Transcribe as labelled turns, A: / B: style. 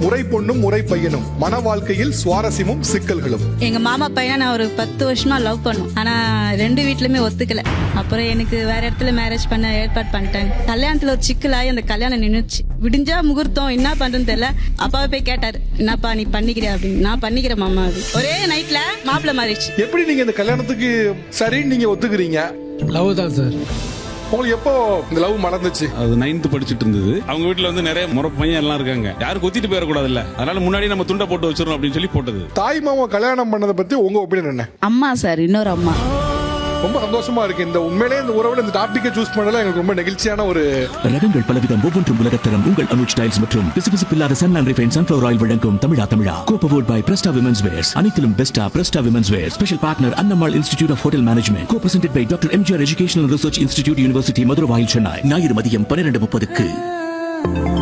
A: முறை பொண்ணும் முறை பையனும் மன வாழ்க்கையில் சுவாரஸ்யமும் சிக்கல்களும்.
B: எங்க மாமா பையனை நான் ஒரு 10 வருஷமா லவ் பண்ணோம். ஆனா 2 வீட்லயுமே ஒத்துக்கல. அப்புறம் எனக்கு வேற இடத்துல மேரேஜ் பண்ண ஏற்பாடு பண்ணிட்டாங்க. கல்யாணத்துல ஒரு சிக்கலாகி அந்த கல்யாணம் நின்னுச்சு. விடிஞ்சா முகூர்த்தம் என்ன பண்றதுன்னு தெரியல. அப்பாவை போய் கேட்டாரு, என்னப்பா நீ பண்ணிக்கிறியா அப்படின்னு. நான் பண்ணிக்கிறேன் மாமா அது. ஒரே நைட்ல மாப்பிள்ள மாறிடுச்சு.
A: எப்படி நீங்க இந்த கல்யாணத்துக்கு சரின்னு நீங்க ஒத்துக்கிறீங்க?
C: லவ் தான் சார்.
A: உங்களுக்கு எப்போ இந்த லவ் மறந்துச்சு?
D: அது 9th படிச்சிட்டு இருந்தது. அவங்க வீட்டுல வந்து நிறைய முறை பையன் எல்லாம் இருக்காங்க. யாரும் கொத்திட்டு போயிடக்கூடாதுல்ல, அதனால முன்னாடி நம்ம துண்டை போட்டு வச்சிடணும் அப்படின்னு சொல்லி போட்டது.
A: தாய் மாமா கல்யாணம் பண்ணதை பத்தி உங்க ஒப்பீனியன் என்ன?
E: அம்மா சார், இன்னொரு அம்மா.
A: ரொம்ப சந்தோஷமா இருக்கு. இந்த உண்மையிலே இந்த உறவுல இந்த டாபிக்கை சூஸ் பண்ணல எனக்கு ரொம்ப நெகிழ்ச்சியான ஒரு.
F: ரகங்கள் பலவிதம், ஒவ்வொன்றும் உலகத்தரம். உங்கள் அனுஜ் டைல்ஸ் மற்றும் பிசுபிசுப்பில்லாத sun and refine sunflower oil வழங்கும் தமிழா கோபவோர்ட் பை பிரஸ்டா விமென்ஸ் வேர்ஸ். அனைத்திலும் பெஸ்டா Presta women's wear. Special partner Annammal institute of hotel management. Co presented by doctor MGR educational research institute, university Madurai, Chennai. ஞாயிறு மதியம் 12:30க்கு.